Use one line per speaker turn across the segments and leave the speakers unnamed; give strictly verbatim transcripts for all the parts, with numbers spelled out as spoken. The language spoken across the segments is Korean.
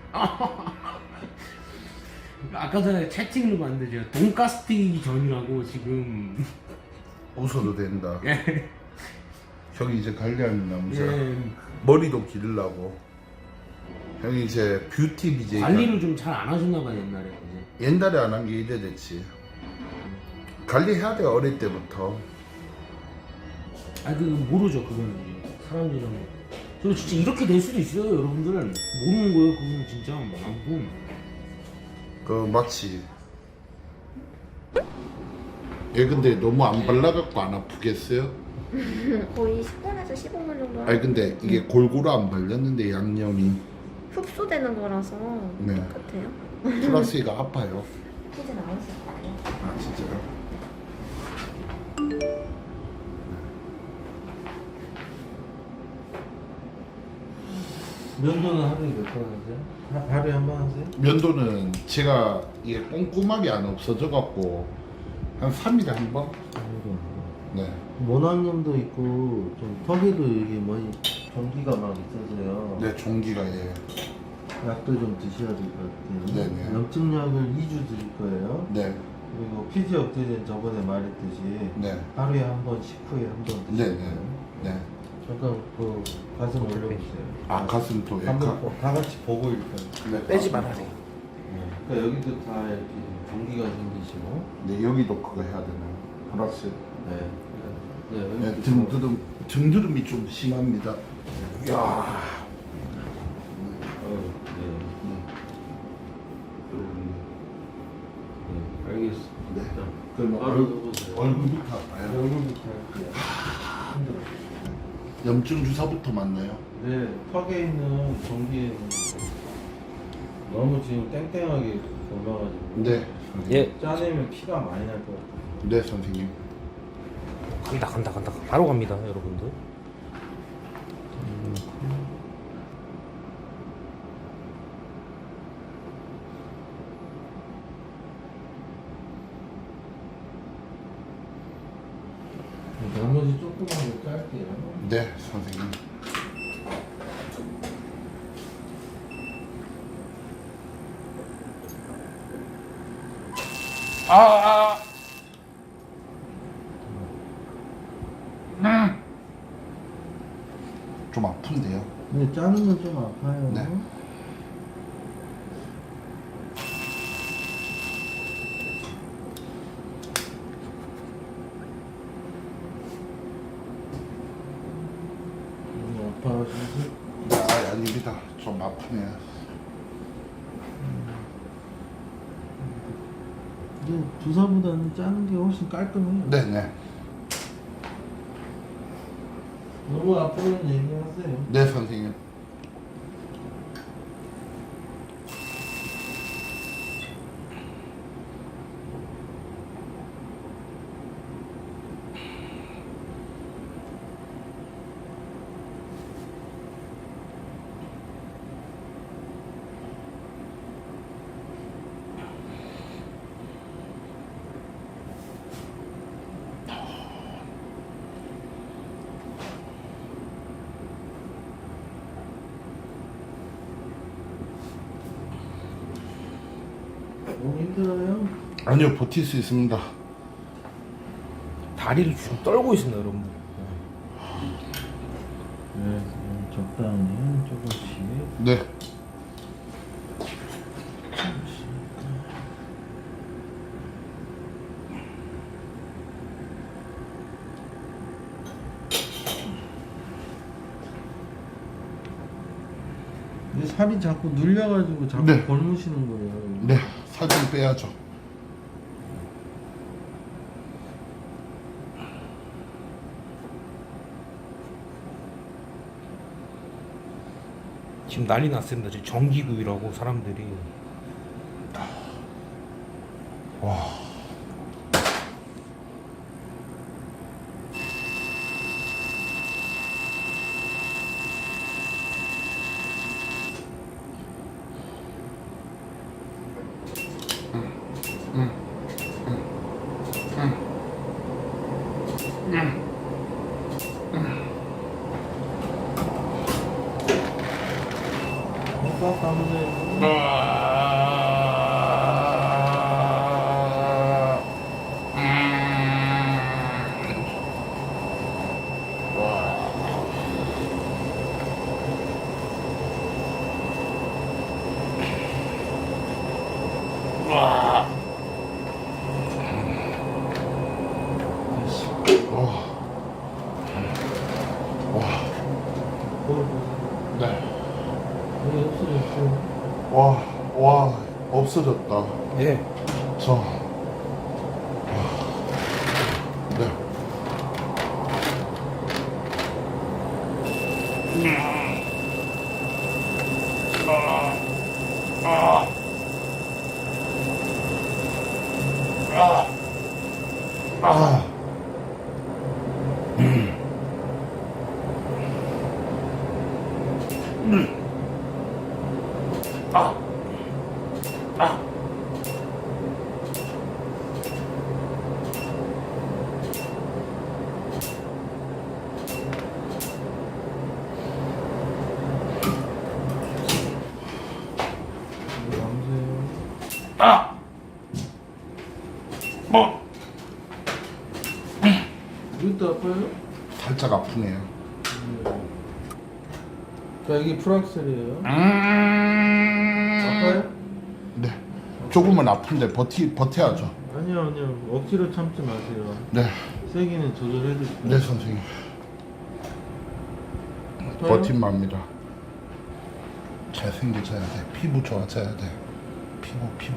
아까 전에 채팅으로 봤는데 제가 돈가스 튀기 전이라고 지금.
웃어도 된다.
예.
형이 이제 관리하는 남자.
예.
머리도 기르려고. 형이 이제 뷰티 비제이.
관리를 좀 잘 안 하셨나 봐요 옛날에 이제.
옛날에 안 한 게 이래 됐지. 관리해야 돼 어릴 때부터.
아니 그 모르죠 그거는 이제 사람들은. 저 진짜 이렇게 될 수도 있어요 여러분들. 모르는 거예요 그거는 진짜 아무튼.
그 마치. 얘 근데 너무 안 발라갖고 안 아프겠어요?
거의 십 분에서 십오 분 정도
아니 근데 이게 골고루 안 발렸는데 양념이
흡수되는 거라서
네.
똑같아요.
플라스가 아파요.
피자 나오실 거예요.
아 진짜요?
면도는 하루에 몇 번 하세요? 하- 하루에 한 번 하세요?
면도는 제가 이게 꼼꼼하게 안 없어져갖고 한 삼 일에 한 번?
하루에 한 번.
네.
모낭염도 있고 좀 턱에도 이게 뭐니 전기가 막 있어서요.
네 종기가 예.
약도 좀 드셔야 될 것 같아요.
네네.
염증약을 이 주 드릴 거예요.
네.
그리고 피지 억제제는 저번에 말했듯이
네.
하루에 한 번, 식후에 한 번
네.
드실
네.
거예요.
네.
잠깐 그 가슴 올려보세요.
아 가슴도 예.
한번
가,
보- 다 같이 보고 일단.
네.
빼지 말아요.
그러니까 여기도 다 이렇게 전기가 생기시고.
네 여기도 그거 해야 되나요? 플러스.
네. 네,
네,
여기
등드름 등드름이 좀 심합니다. 이야.
어, 네. 네, 알겠습니다.
네.
자,
그럼
바로
얼,
해보세요.
얼굴부터 아파요.
얼굴부터 할게요.
염증 주사부터 맞나요?
네, 턱에 있는 전기에 너무 지금 땡땡하게 올라가지고.
네.
예.
짜내면 피가 많이 날 것 같아요.
네 선생님.
간다 간다 간다 바로 갑니다 여러분들.
나머지 조금만 더 짧게요.
네 선생님. 아, 아. 음. 좀 아픈데요?
근데 짜는 건 좀 아파요.
네.
너무 아파가지고.
아 아닙니다. 좀 아프네요.
근데 주사보다는 짜는 게 훨씬 깔끔해요.
네네.
너무 아프면 얘기하세요.
네 선생님.
너무 힘들어요?
아니요 버틸 수 있습니다.
다리를 지금 떨고 있습니다 여러분들.
네, 음, 적당히 조금씩.
네.
근데 살이 자꾸 눌려가지고 자꾸
네.
골무시는 거예요.
네. 살 좀 빼야죠.
지금 난리 났습니다. 지금 전기구이라고 사람들이.
와.
꽉 감으세요.
네.
여기 없어졌어요.
와, 와, 없어졌다.
예.
저. 네. 아.
여기 감으세요.
아! 뭐?
이것도 아파요?
살짝 아프네요.
자, 이게 프락셀이에요.
음.
아파요?
네. 조금은 아픈데 버티 버텨야죠.
아니요, 아니요. 억지로 참지 마세요.
네.
세기는 조절해드릴게요.
네, 선생님.
아파요?
버팀합니다. 잘생겨져야 돼. 피부 좋아져야 돼. 피부, 피부.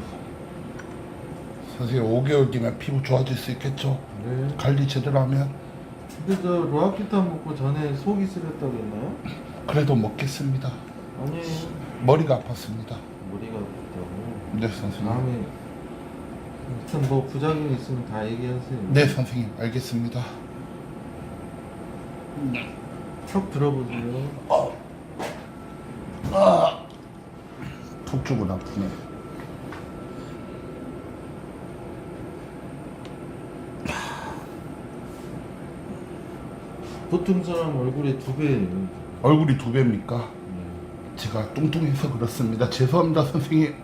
선생님, 오 개월 뒤면 피부 좋아질 수 있겠죠?
네.
관리 제대로 하면.
근데 저 로아키탄 먹고 전에 속이 쓰렸다고 했나요?
그래도 먹겠습니다.
아니에요.
머리가 아팠습니다.
머리가 아프다고.
네, 선생님.
다음에 하여튼 뭐 부작용 있으면 다 얘기하세요.
네, 선생님. 알겠습니다.
턱 들어보세요.
턱 쪽은 아프네.
보통 사람 얼굴의 두 배예요.
얼굴이 두 배입니까?
네.
제가 뚱뚱해서 그렇습니다. 죄송합니다, 선생님.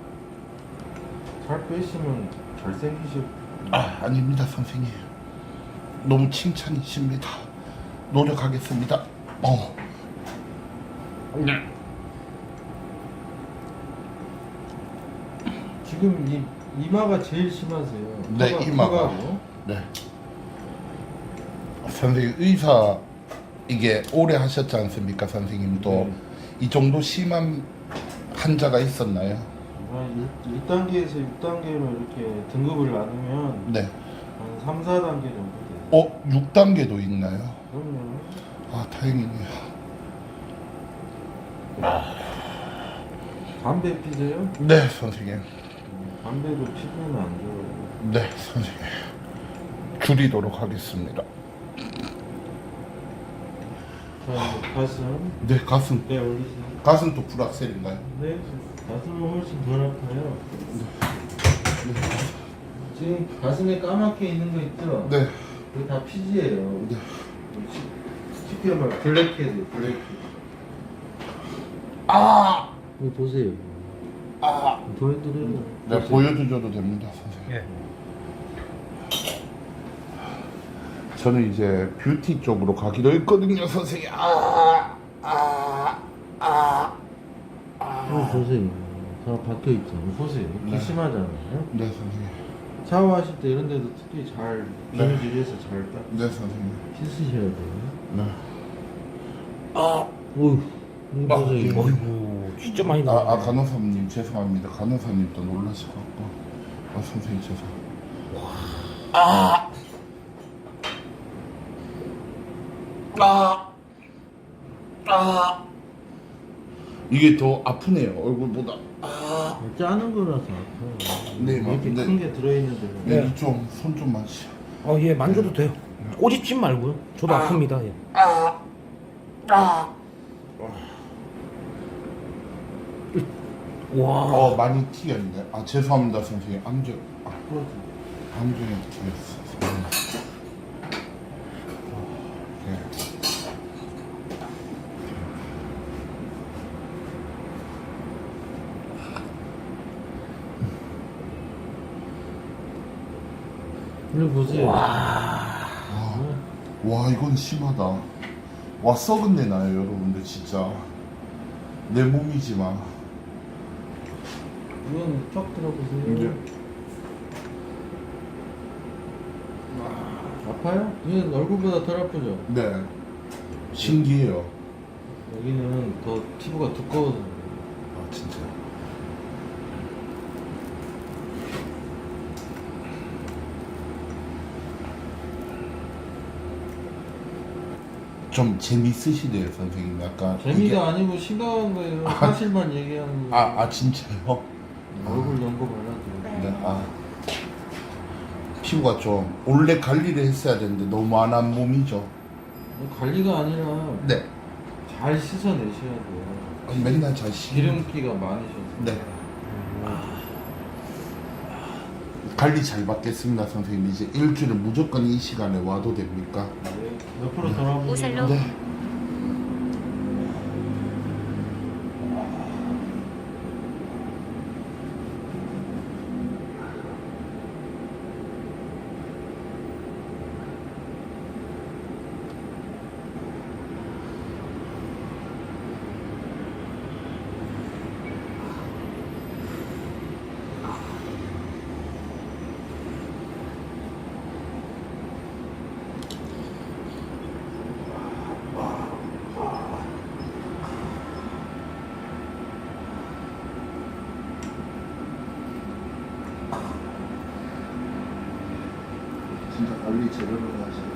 살 빼시면 잘생기실.
아, 아닙니다, 선생님. 너무 칭찬이십니다. 노력하겠습니다. 어. 네.
지금 이 이마가 제일 심하세요.
네,
턱가-
이마가.
턱하고.
네. 선생님, 의사 이게 오래 하셨지 않습니까, 선생님도?
네.
이 정도 심한 환자가 있었나요?
일 단계에서 육 단계로 이렇게 등급을 나누면
네.
한 삼, 사 단계 정도 돼요.
어, 육 단계도 있나요?
그럼요.
아, 다행이네요.
담배 피세요?
네, 선생님.
음, 담배도 피부는 안 좋아요.
네, 선생님. 줄이도록 하겠습니다.
자, 이제 가슴.
네, 가슴.
네, 올리세요.
가슴 또 불악셀인가요?
네, 가슴은 훨씬 덜 아파요. 지금 가슴에 까맣게 있는 거 있죠?
네.
그게 다 피지예요.
네.
쉽게 말 블랙헤드, 블랙헤드.
아!
이거 보세요.
아!
보여드려요.
네, 보여드려도 됩니다, 선생님.
예.
저는 이제 뷰티 쪽으로 가기로 했거든요, 선생님. 아! 아! 아!
이거 보세요. 다 박혀 있잖아요. 보세요.
네.
네. 심하잖아요.
네, 선생님.
샤워하실 때 이런 데도 특히 잘
네.
비누질해서 잘 딱
네, 선생님.
씻으셔야 돼요.
네. 아!
어휴, 이거
아,
보세요.
이거.
어이구, 진짜 많이
아,
나와.
아, 간호사님 죄송합니다. 간호사님도 놀라셔갖고. 아, 선생님 죄송. 아! 아! 아! 이게 더 아프네요, 얼굴보다. 아!
짜는 거라서 아파요.
네,
이렇게
네.
큰 게 들어있는데.
네,
네.
좀, 손 좀 마시.
어, 예, 만져도 돼요. 꼬집지 말고요. 저도
아.
아픕니다. 예.
아! 아!
와.
어, 많이 튀겼네. 아, 죄송합니다, 선생님. 안경, 아, 안경에 튀겼어. 네.
이거 보세요.
와.
와, 와 이건 심하다. 와 썩은 내 나요 여러분들 진짜. 내 몸이지만.
이건 쫙 들어보세요.
이제
아파요? 이건 얼굴보다 덜 아프죠?
네. 신기해요.
여기는 더 피부가 두꺼워서 그래요.
아 진짜. 좀 재밌으시대요 선생님. 약간
재미가
이게-
아니고 심각한 거예요. 사실만 얘기하는 거예요.
아, 아 진짜요?
얼굴 연고 발라줘.
네.
네. 아 피부가 좀 원래 관리를 했어야 되는데 너무 안 한 몸이죠.
관리가 아니라
네.
잘 씻어내셔야 돼요.
아, 맨날 잘 씻.
기름기가 많으셔서.
네. 관리 잘 받겠습니다 선생님. 이제 일주일에 무조건 이 시간에 와도 됩니까?
네. 옆으로 돌아보세요.
오셀로.
네. 진짜 관리 제대로 하시네.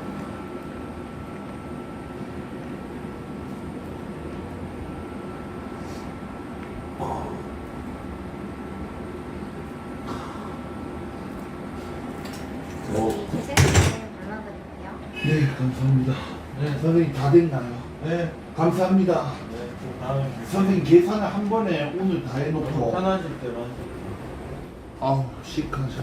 이제 발라드릴게요.
네 감사합니다.
네.
선생님 다 됐나요?
네.
감사합니다.
네. 또 다음에
선생님 계산을 한 번에 오늘 다 해놓고.
편하실 때만.
아우 시크하셔.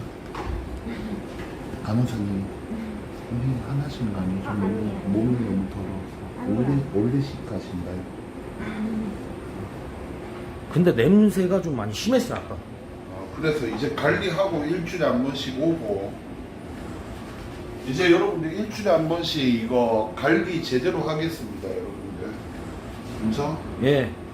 간호사님 선생님 하나씩 많이
아,
좀
아니에요.
몸이 너무 더러워서
아니에요.
원래 원래 시크하신가요?
근데 냄새가 좀 많이 심했어 아까.
아, 그래서 이제 관리하고 일주일에 한 번씩 오고 이제 여러분들 일주일에 한 번씩 이거 관리 제대로 하겠습니다 여러분들. 그죠?
예.